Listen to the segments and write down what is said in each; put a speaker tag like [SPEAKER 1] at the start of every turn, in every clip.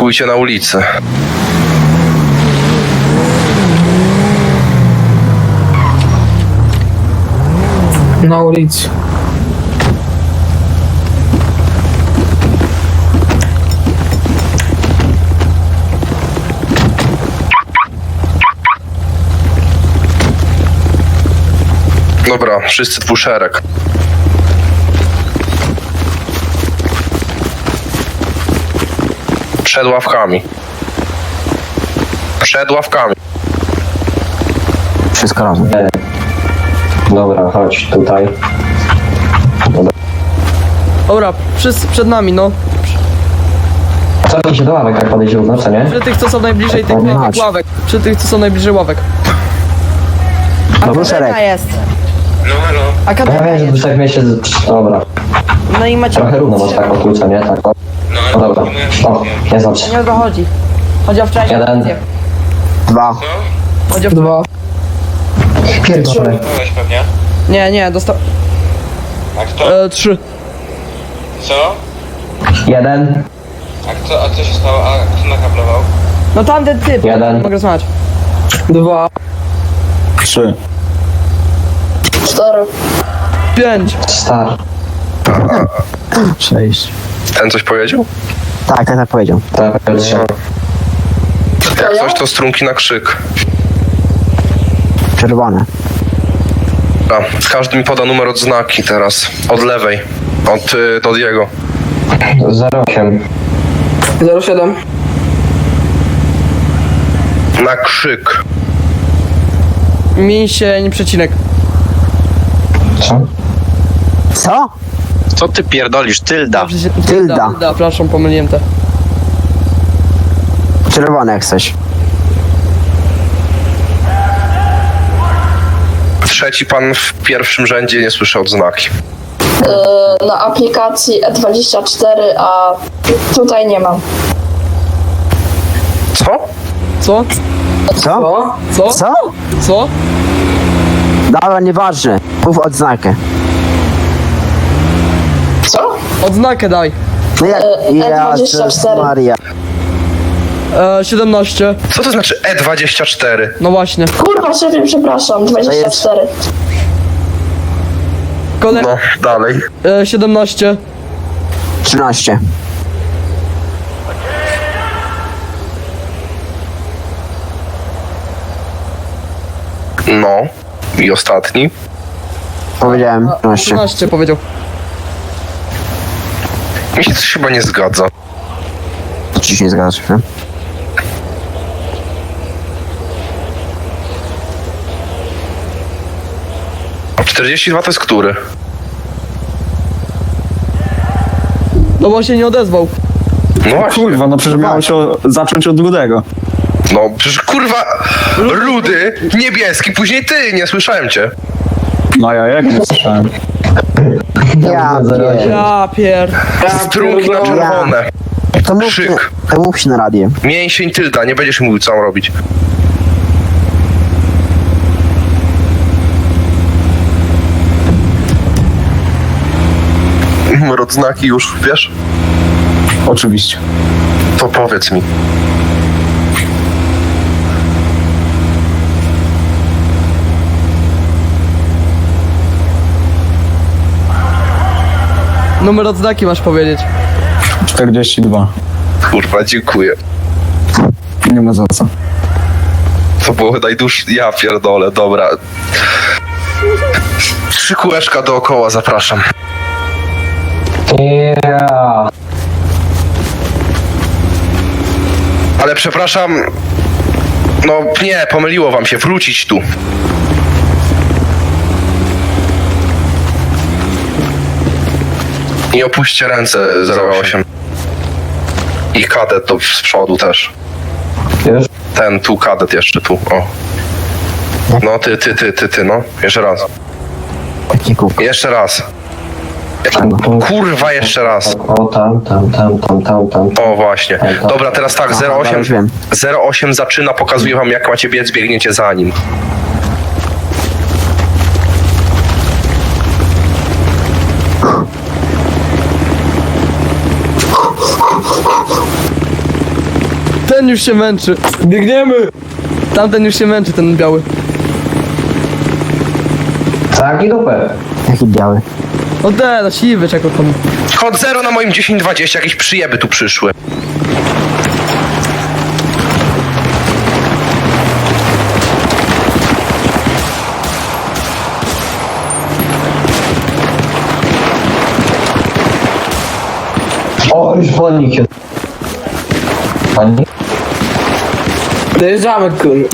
[SPEAKER 1] Stójcie na ulicy.
[SPEAKER 2] Na ulicy.
[SPEAKER 1] Dobra, wszyscy dwuszereg. Przed ławkami. Przed ławkami.
[SPEAKER 3] Wszystko razem.
[SPEAKER 4] Dobra, chodź tutaj.
[SPEAKER 5] Dobra, wszyscy przed nami, no.
[SPEAKER 4] Cofnij się do ławek, jak podejdzie równo, co nie?
[SPEAKER 5] Przy tych, co są najbliżej tych
[SPEAKER 3] Mać.
[SPEAKER 5] ławek. Przy tych, co są najbliżej ławek.
[SPEAKER 3] Dobry szereg.
[SPEAKER 6] Akademia jest.
[SPEAKER 1] No halo.
[SPEAKER 4] Ja
[SPEAKER 6] Akademia
[SPEAKER 4] wiem, że
[SPEAKER 6] jest.
[SPEAKER 4] tu tak mieście... Dobra,
[SPEAKER 6] No i macie...
[SPEAKER 4] trochę równo masz tak o co nie? Tak o. No dobra. O, nie znaczy.
[SPEAKER 6] Nie o to chodzi. Chodzi o wczorajszą
[SPEAKER 4] Jeden.
[SPEAKER 6] akcję.
[SPEAKER 3] 2.
[SPEAKER 5] Chodź o...
[SPEAKER 2] 2.
[SPEAKER 4] Pierdolę.
[SPEAKER 7] Dostałeś pewnie.
[SPEAKER 5] Nie, dostał...
[SPEAKER 7] A kto?
[SPEAKER 5] 3.
[SPEAKER 7] Co?
[SPEAKER 4] Jeden.
[SPEAKER 7] A co się stało? A kto nakablował?
[SPEAKER 5] No tamten typ.
[SPEAKER 4] Jeden.
[SPEAKER 5] Mogę rozmawiać.
[SPEAKER 2] 2.
[SPEAKER 3] 3.
[SPEAKER 6] 4.
[SPEAKER 5] 5.
[SPEAKER 4] Star.
[SPEAKER 3] 6.
[SPEAKER 1] Ten coś powiedział?
[SPEAKER 3] Tak powiedział.
[SPEAKER 4] Tak, trzy.
[SPEAKER 1] Jak coś to strunki na krzyk.
[SPEAKER 3] Czerwone.
[SPEAKER 1] Dobra, każdy mi poda numer odznaki teraz. Od lewej. Od jego.
[SPEAKER 4] 08.
[SPEAKER 2] 07.
[SPEAKER 1] Na krzyk.
[SPEAKER 5] Mięsień, przecinek.
[SPEAKER 4] Co?
[SPEAKER 3] Co?
[SPEAKER 8] Co ty pierdolisz? Tylda.
[SPEAKER 3] Tylda.
[SPEAKER 5] Przepraszam, pomyliłem te.
[SPEAKER 3] Czerwone jak coś.
[SPEAKER 1] Trzeci pan w pierwszym rzędzie nie słyszy odznaki.
[SPEAKER 9] Na aplikacji E24, a tutaj nie mam.
[SPEAKER 1] Co?
[SPEAKER 5] Co?
[SPEAKER 3] Co?
[SPEAKER 5] Co?
[SPEAKER 3] Co?
[SPEAKER 5] Co?
[SPEAKER 3] Dobra, nieważne. Mów odznakę.
[SPEAKER 9] Co?
[SPEAKER 5] Odznakę daj.
[SPEAKER 3] No jak...
[SPEAKER 9] E24.
[SPEAKER 3] Jezus Maria.
[SPEAKER 5] 17.
[SPEAKER 1] Co to znaczy E24?
[SPEAKER 5] No właśnie.
[SPEAKER 9] Kurwa, szefie, przepraszam, 24.
[SPEAKER 5] Kolej...
[SPEAKER 1] No, dalej.
[SPEAKER 5] 17.
[SPEAKER 3] 13.
[SPEAKER 1] No. I ostatni.
[SPEAKER 3] Powiedziałem 13.
[SPEAKER 5] 13 powiedział.
[SPEAKER 1] Mi się coś chyba nie zgadza.
[SPEAKER 3] Ci się nie zgadzasz, nie?
[SPEAKER 1] A 42 to jest który?
[SPEAKER 5] No bo się nie odezwał.
[SPEAKER 1] No właśnie.
[SPEAKER 10] Kurwa, no przecież miało się zacząć od rudego.
[SPEAKER 1] No przecież kurwa rudy, niebieski, później ty, nie słyszałem cię.
[SPEAKER 10] No ja jak nie słyszałem.
[SPEAKER 3] Ja pier...
[SPEAKER 5] Ja pier...
[SPEAKER 1] Strunki na czerwone.
[SPEAKER 3] To mów,
[SPEAKER 1] Krzyk.
[SPEAKER 3] to mów się na radię.
[SPEAKER 1] Mięsień tylda, nie będziesz mówił co mam robić. Numer odznaki już, wiesz?
[SPEAKER 10] Oczywiście.
[SPEAKER 1] To powiedz mi.
[SPEAKER 5] Numer odznaki masz powiedzieć.
[SPEAKER 10] 42.
[SPEAKER 1] Kurwa, dziękuję.
[SPEAKER 10] Nie ma za co.
[SPEAKER 1] To było najdłuższe. Ja pierdolę, dobra. 3 kółeczka dookoła, zapraszam.
[SPEAKER 4] Yeah.
[SPEAKER 1] Ale przepraszam. No nie, pomyliło wam się, wrócić tu. I opuśćcie ręce 08. I kadet to z przodu też.
[SPEAKER 4] Już?
[SPEAKER 1] Ten tu kadet jeszcze tu, o. No ty, no. Jeszcze raz.
[SPEAKER 3] Taki kółko.
[SPEAKER 1] Jeszcze raz. Kurwa, jeszcze raz.
[SPEAKER 4] O, tam.
[SPEAKER 1] O właśnie. Dobra, teraz tak,
[SPEAKER 3] Aha,
[SPEAKER 1] 08.
[SPEAKER 3] już wiem.
[SPEAKER 1] 08 zaczyna, pokazuje wam jak macie biec, biegniecie za nim.
[SPEAKER 5] Tamten już się męczy.
[SPEAKER 2] Biegniemy!
[SPEAKER 5] Tamten już się męczy, ten biały.
[SPEAKER 4] Tak i dupę.
[SPEAKER 3] Jaki biały.
[SPEAKER 5] No no siwy, czego tam.
[SPEAKER 1] Kod 0 na moim 1020, jakieś przyjeby tu przyszły.
[SPEAKER 4] O, już wolnik się. Pani?
[SPEAKER 2] Dojeżdżamy, kurwa.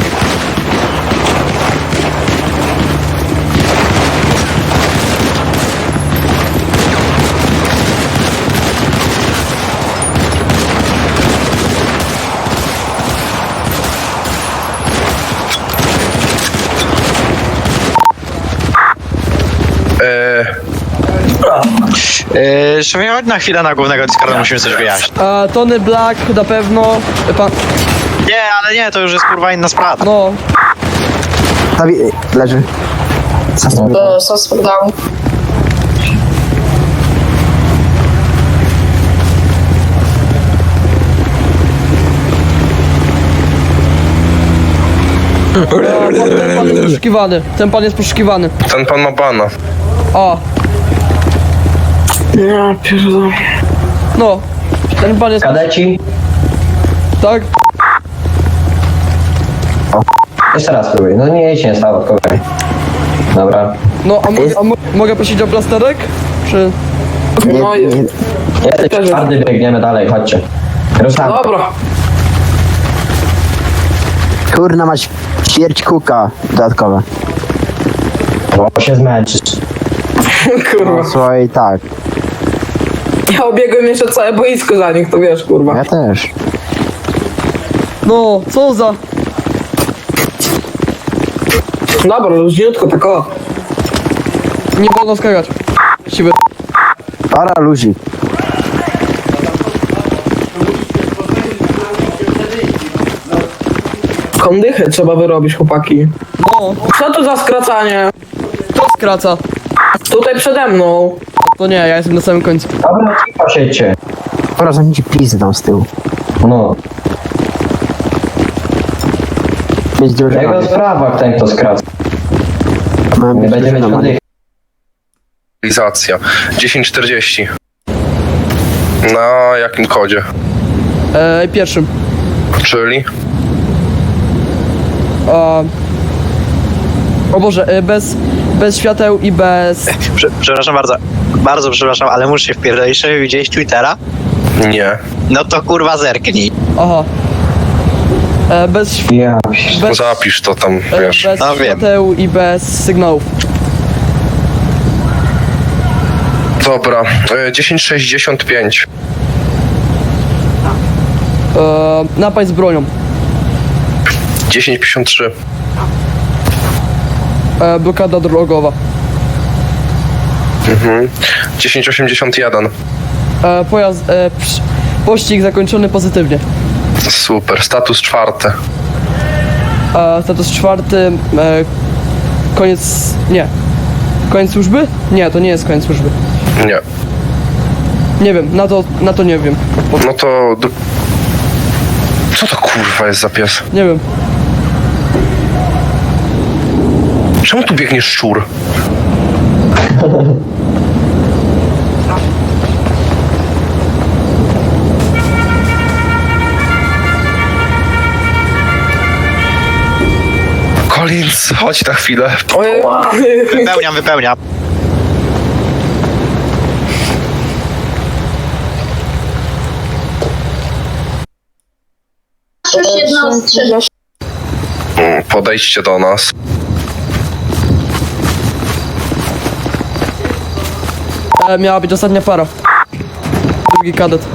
[SPEAKER 8] Szefie, chodź na chwilę na głównego Discorda, musimy coś wyjaśnić.
[SPEAKER 5] Tony Black na pewno. Pan.
[SPEAKER 8] Nie, ale nie, to już jest kurwa inna sprawa.
[SPEAKER 5] No.
[SPEAKER 3] Leży.
[SPEAKER 9] Suspect down.
[SPEAKER 5] Ten pan jest poszukiwany. Ten pan jest poszukiwany.
[SPEAKER 1] Ten pan ma bana.
[SPEAKER 5] O,
[SPEAKER 2] Ja pierdolę.
[SPEAKER 5] no. Ten pan jest.
[SPEAKER 4] Kadeci?
[SPEAKER 5] Tak?
[SPEAKER 4] Jeszcze raz spróbuj. No nie, się nie stało, okej. Dobra.
[SPEAKER 5] No, mogę prosić o plasterek? Czy.
[SPEAKER 2] No jest.
[SPEAKER 4] Jesteś twardy, biegniemy dalej, chodźcie. Ruszamy.
[SPEAKER 2] Dobra.
[SPEAKER 3] Kurna mać śmierć kuka dodatkowe.
[SPEAKER 4] Bo się zmęczysz.
[SPEAKER 2] Kurwa.
[SPEAKER 3] No słuchaj, tak.
[SPEAKER 2] Ja obiegłem jeszcze całe boisko za nich, to wiesz, kurwa.
[SPEAKER 3] Ja też.
[SPEAKER 5] No, co za.
[SPEAKER 2] Dobra, luźniutko, tak o.
[SPEAKER 5] Nie wolno skakać. Siwy.
[SPEAKER 3] Para luzik.
[SPEAKER 2] Kondychę trzeba wyrobić, chłopaki.
[SPEAKER 5] No,
[SPEAKER 2] Co to za skracanie?
[SPEAKER 5] to skraca.
[SPEAKER 2] Tutaj przede mną.
[SPEAKER 5] To nie, ja jestem na samym końcu.
[SPEAKER 4] Dobra, cicho siedźcie.
[SPEAKER 3] Dobra, zamknijcie pizdy tam z tyłu.
[SPEAKER 4] No.
[SPEAKER 3] Być drużyna.
[SPEAKER 4] Jego sprawa, ten kto skraca.
[SPEAKER 3] Mamy
[SPEAKER 4] Nie
[SPEAKER 3] być
[SPEAKER 4] będzie mieć
[SPEAKER 3] drużyna.
[SPEAKER 4] oddychu.
[SPEAKER 1] Realizacja. 1040. Na jakim kodzie?
[SPEAKER 5] Pierwszym.
[SPEAKER 1] Czyli?
[SPEAKER 5] O Boże, bez świateł i bez.
[SPEAKER 8] Przepraszam bardzo. Bardzo przepraszam, ale muszę się wpierdolić. Szefie, widziałeś Twittera?
[SPEAKER 1] Nie.
[SPEAKER 8] No to kurwa zerknij.
[SPEAKER 5] Aha.
[SPEAKER 4] Ja.
[SPEAKER 5] Bez,
[SPEAKER 1] Zapisz to tam, wiesz.
[SPEAKER 5] bez
[SPEAKER 8] No wiem.
[SPEAKER 5] świateł i bez sygnałów.
[SPEAKER 1] Dobra. 1065.
[SPEAKER 5] Napaść z bronią.
[SPEAKER 1] 1053.
[SPEAKER 5] Blokada drogowa.
[SPEAKER 1] 1081.
[SPEAKER 5] Pościg zakończony pozytywnie.
[SPEAKER 1] Super. Status 4.
[SPEAKER 5] Status 4. Koniec. Nie. Koniec służby? Nie, to nie jest koniec służby.
[SPEAKER 1] Nie.
[SPEAKER 5] Nie wiem, na to nie wiem.
[SPEAKER 1] No to... Co to kurwa jest za pies?
[SPEAKER 5] Nie wiem.
[SPEAKER 1] Czemu tu biegnie szczur? Collins, chodź na chwilę.
[SPEAKER 2] Ojej.
[SPEAKER 8] Wypełniam.
[SPEAKER 1] Podejdźcie do nas.
[SPEAKER 5] Miała być ostatnia para. Drugi kadet.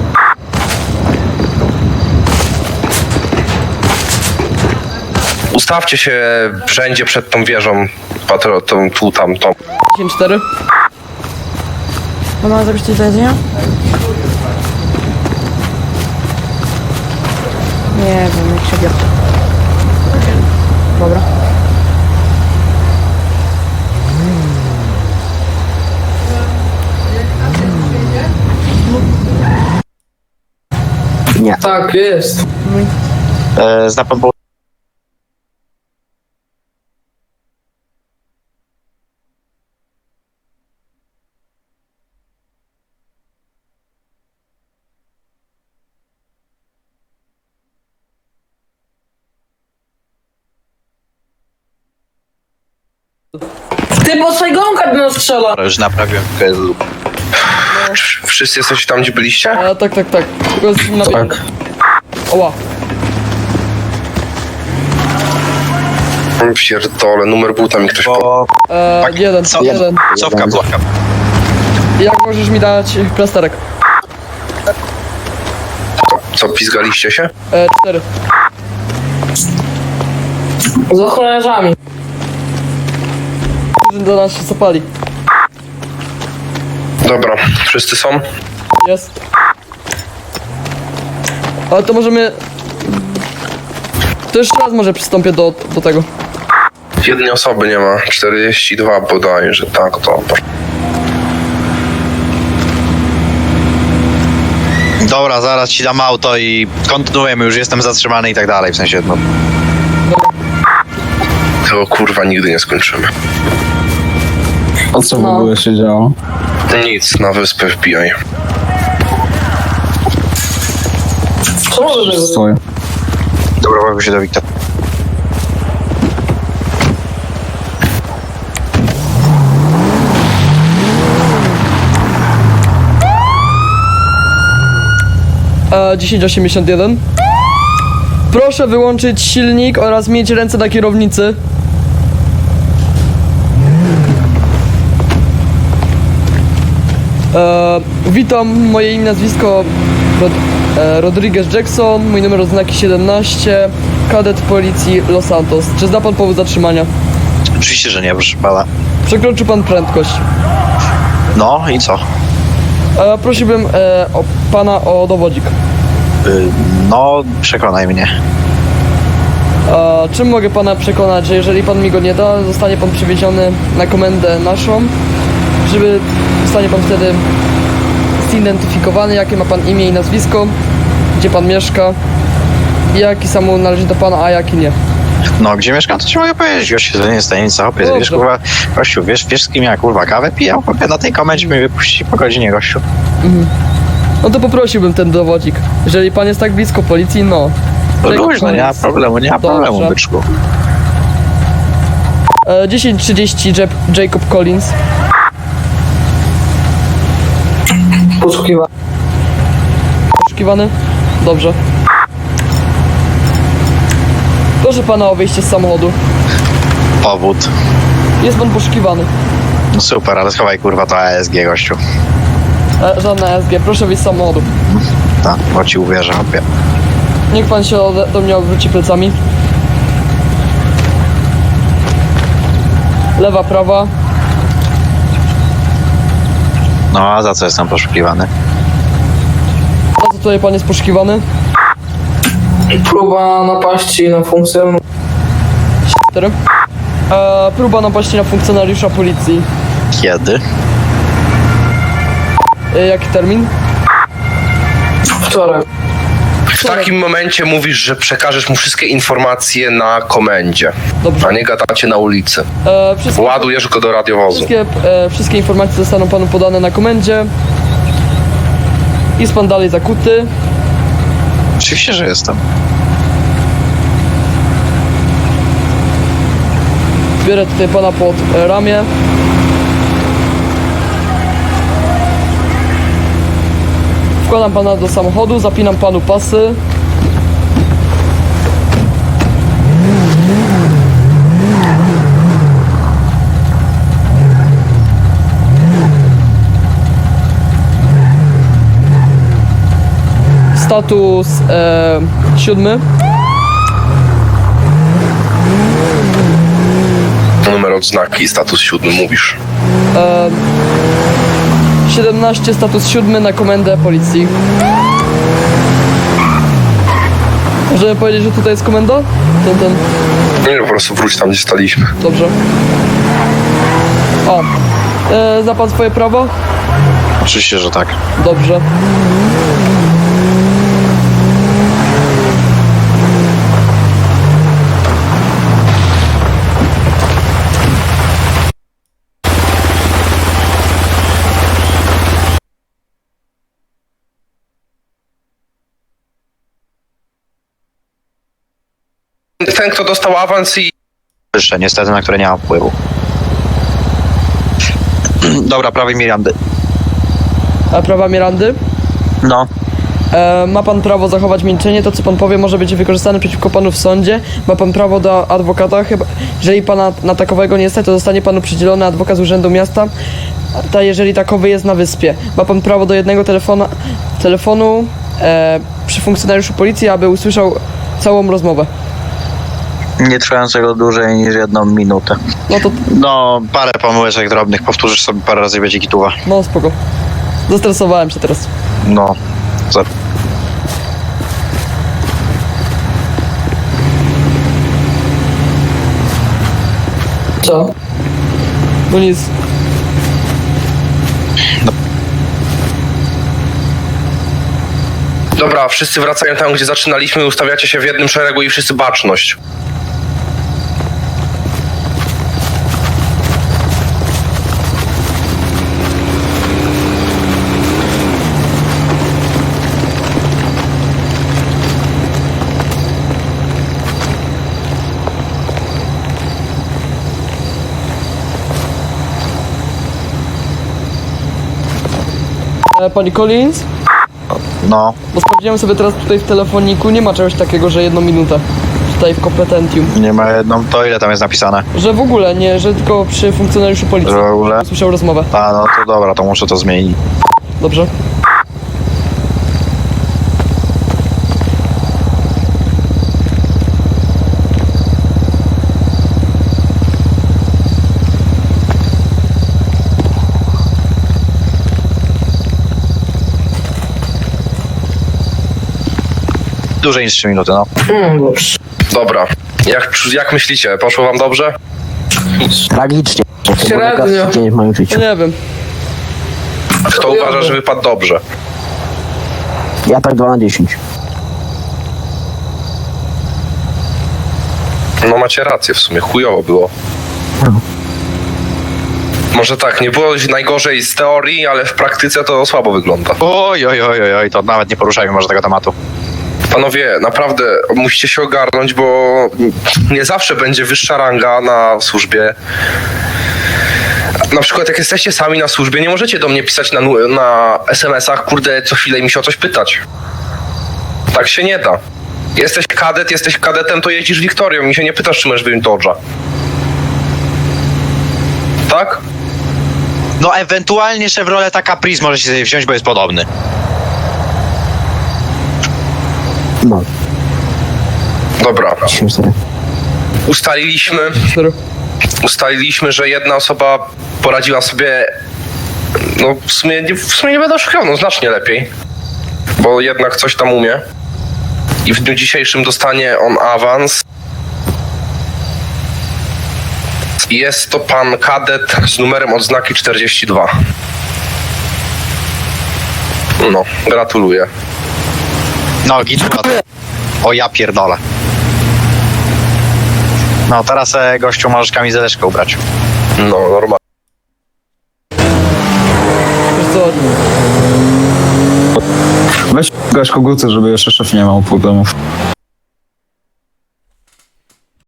[SPEAKER 1] Ustawcie się wszędzie przed tą wieżą. Tu, tam.
[SPEAKER 5] 10-4.
[SPEAKER 6] Mamy zrobić coś do jedzenia? Nie wiem, jak się bierze. Dobra.
[SPEAKER 3] Nie.
[SPEAKER 2] Tak, jest.
[SPEAKER 6] mój.
[SPEAKER 8] Zna pan po...
[SPEAKER 2] Ty, bo Saigonka do nas strzela.
[SPEAKER 8] Już naprawiłem tylko...
[SPEAKER 1] Wszyscy jesteście tam, gdzie byliście?
[SPEAKER 5] Tak. Tylko jest na...
[SPEAKER 10] Tak.
[SPEAKER 5] Oła.
[SPEAKER 1] Pierdolę, numer buta mi ktoś po...
[SPEAKER 8] Bo...
[SPEAKER 5] Jeden.
[SPEAKER 8] Cofka była.
[SPEAKER 5] Jak możesz mi dać plasterek?
[SPEAKER 1] Co, pizgaliście się?
[SPEAKER 5] 4.
[SPEAKER 2] Z ochroniarzami.
[SPEAKER 5] Do nas się zapali.
[SPEAKER 1] Dobra, wszyscy są?
[SPEAKER 5] Jest. Ale to możemy... To jeszcze raz może przystąpię do tego.
[SPEAKER 1] Jednej osoby nie ma, 42 bodajże, tak, dobra.
[SPEAKER 8] Dobra, zaraz ci dam auto i kontynuujemy, już jestem zatrzymany i tak dalej, w sensie, no...
[SPEAKER 1] Tego kurwa nigdy nie skończymy.
[SPEAKER 10] A co w ogóle się działo?
[SPEAKER 1] Nic, na wyspę wbijaj.
[SPEAKER 2] Co może być?
[SPEAKER 10] Stoję.
[SPEAKER 8] Dobra, łapię się do Wiktora.
[SPEAKER 5] A 1081. Proszę wyłączyć silnik oraz mieć ręce na kierownicy. Witam, moje imię, nazwisko Rodriguez Jackson, mój numer oznaki 17, kadet policji Los Santos. Czy zna pan powód zatrzymania?
[SPEAKER 8] Oczywiście, że nie, proszę pana.
[SPEAKER 5] Przekroczył pan prędkość.
[SPEAKER 8] No i co?
[SPEAKER 5] Prosiłbym pana o dowodzik.
[SPEAKER 8] No, przekonaj mnie.
[SPEAKER 5] Czym mogę pana przekonać, że jeżeli pan mi go nie da, zostanie pan przewieziony na komendę naszą, żeby zostanie pan wtedy zidentyfikowany, jakie ma pan imię i nazwisko, gdzie pan mieszka, jaki samochód należy do pana, a jaki nie.
[SPEAKER 8] No, gdzie mieszkam, to ci mogę powiedzieć, gościu, to nie jest tajemnica, hopie,
[SPEAKER 5] Dobrze.
[SPEAKER 8] wiesz, kurwa, gościu, wiesz z kim ja, kurwa, kawę pijam, hopie, na tej komendzie mnie wypuści po godzinie, gościu.
[SPEAKER 5] No to poprosiłbym ten dowodzik. Jeżeli pan jest tak blisko policji, no.
[SPEAKER 8] No luźno, nie ma
[SPEAKER 5] Collins.
[SPEAKER 8] problemu,
[SPEAKER 5] Dobrze.
[SPEAKER 8] byczku.
[SPEAKER 5] 10:30 Jacob Collins.
[SPEAKER 2] Poszukiwa.
[SPEAKER 5] Poszukiwany? Dobrze. Proszę pana o wyjście z samochodu.
[SPEAKER 8] Powód.
[SPEAKER 5] Jest pan poszukiwany.
[SPEAKER 8] No super, ale schowaj, kurwa, to ASG, gościu.
[SPEAKER 5] Żadna SG, proszę wyjść z samochodu.
[SPEAKER 8] Tak, bo ci uwierzę, hopie.
[SPEAKER 5] Niech pan się do mnie odwróci plecami. Lewa, prawa.
[SPEAKER 8] No, a za co jestem poszukiwany?
[SPEAKER 5] Za co tutaj pan jest poszukiwany?
[SPEAKER 2] Próba napaści na funkcję.
[SPEAKER 5] 4. Próba napaści na funkcjonariusza policji.
[SPEAKER 8] Kiedy?
[SPEAKER 5] Jaki termin?
[SPEAKER 2] Wczoraj.
[SPEAKER 1] W takim momencie mówisz, że przekażesz mu wszystkie informacje na komendzie,
[SPEAKER 5] Dobrze.
[SPEAKER 1] a nie gadacie na ulicy. Ładujesz go do radiowozu.
[SPEAKER 5] Wszystkie informacje zostaną panu podane na komendzie. Jest pan dalej zakuty.
[SPEAKER 8] Oczywiście, że jestem.
[SPEAKER 5] Biorę tutaj pana pod ramię. Wkładam pana do samochodu, zapinam panu pasy. Status 7.
[SPEAKER 1] Numer odznaki, status 7 mówisz.
[SPEAKER 5] 17, status 7 na komendę policji. Możemy powiedzieć, że tutaj jest komenda? Ten.
[SPEAKER 1] Nie, po prostu wróć tam, gdzie staliśmy.
[SPEAKER 5] Dobrze. Zna pan swoje prawo?
[SPEAKER 8] Oczywiście, że tak.
[SPEAKER 5] Dobrze.
[SPEAKER 1] ten, kto dostał awans i...
[SPEAKER 8] Wyższe, niestety, na które nie mam wpływu. Dobra, prawie Mirandy.
[SPEAKER 5] A prawa Mirandy?
[SPEAKER 8] No.
[SPEAKER 5] Ma pan prawo zachować milczenie, to co pan powie może być wykorzystane przeciwko panu w sądzie. Ma pan prawo do adwokata, chyba jeżeli pana na takowego nie stać, to zostanie panu przydzielony adwokat z urzędu miasta, jeżeli takowy jest na wyspie. Ma pan prawo do jednego telefonu przy funkcjonariuszu policji, aby usłyszał całą rozmowę.
[SPEAKER 8] Nie trwającego dłużej niż 1 minutę.
[SPEAKER 5] No to,
[SPEAKER 8] No, parę pomyłeczek drobnych, powtórzysz sobie parę razy i będzie gituwa.
[SPEAKER 5] no spoko. Zestresowałem się teraz.
[SPEAKER 8] No.
[SPEAKER 2] Co?
[SPEAKER 5] No nic.
[SPEAKER 1] Dobra, wszyscy wracają tam, gdzie zaczynaliśmy, ustawiacie się w jednym szeregu i wszyscy baczność.
[SPEAKER 5] Pani Collins?
[SPEAKER 8] No,
[SPEAKER 5] Bo sprawdziłem sobie teraz tutaj w telefoniku, nie ma czegoś takiego, że 1 minutę. Tutaj w kompetentium.
[SPEAKER 8] nie ma jedną, to ile tam jest napisane?
[SPEAKER 5] Że w ogóle nie, że tylko przy funkcjonariuszu policji.
[SPEAKER 8] Że w ogóle?
[SPEAKER 5] Słyszał rozmowę.
[SPEAKER 8] A, no to dobra, to muszę to zmienić.
[SPEAKER 5] Dobrze.
[SPEAKER 8] Dłużej niż 3 minuty, no.
[SPEAKER 2] Dobrze.
[SPEAKER 1] Dobra, jak myślicie, poszło wam dobrze?
[SPEAKER 3] Tragicznie. To był
[SPEAKER 2] Średnio.
[SPEAKER 3] najgorszy dzień w moim
[SPEAKER 5] No
[SPEAKER 3] życiu.
[SPEAKER 5] nie wiem.
[SPEAKER 1] Kto uważa, że wypadł dobrze?
[SPEAKER 3] Ja tak 2 na 10.
[SPEAKER 1] No macie rację w sumie, chujowo było. Może tak, nie było najgorzej z teorii, ale w praktyce to słabo wygląda.
[SPEAKER 8] Oj, to nawet nie poruszajmy może tego tematu.
[SPEAKER 1] Panowie, naprawdę musicie się ogarnąć, bo nie zawsze będzie wyższa ranga na służbie. Na przykład jak jesteście sami na służbie, nie możecie do mnie pisać na SMS-ach, kurde, co chwilę mi się o coś pytać. Tak się nie da. Jesteś kadetem, to jeździsz Wiktorią i się nie pytasz, czy masz wyjąć Dodge'a. Tak?
[SPEAKER 8] No ewentualnie Chevroleta Caprice może się sobie wziąć, bo jest podobny.
[SPEAKER 3] No,
[SPEAKER 1] Dobra.
[SPEAKER 3] 10-4.
[SPEAKER 1] Ustaliliśmy, że jedna osoba poradziła sobie, no w sumie nie będę oszukał, no znacznie lepiej, bo jednak coś tam umie i w dniu dzisiejszym dostanie on awans. Jest to pan kadet z numerem odznaki 42. No, gratuluję.
[SPEAKER 8] No, gituwa. O ja pierdolę. No, teraz gościu możesz kamizeleczkę ubrać.
[SPEAKER 1] No, normalnie.
[SPEAKER 5] Wiesz co,
[SPEAKER 10] Weź gaś koguty, żeby jeszcze szef nie miał problemów.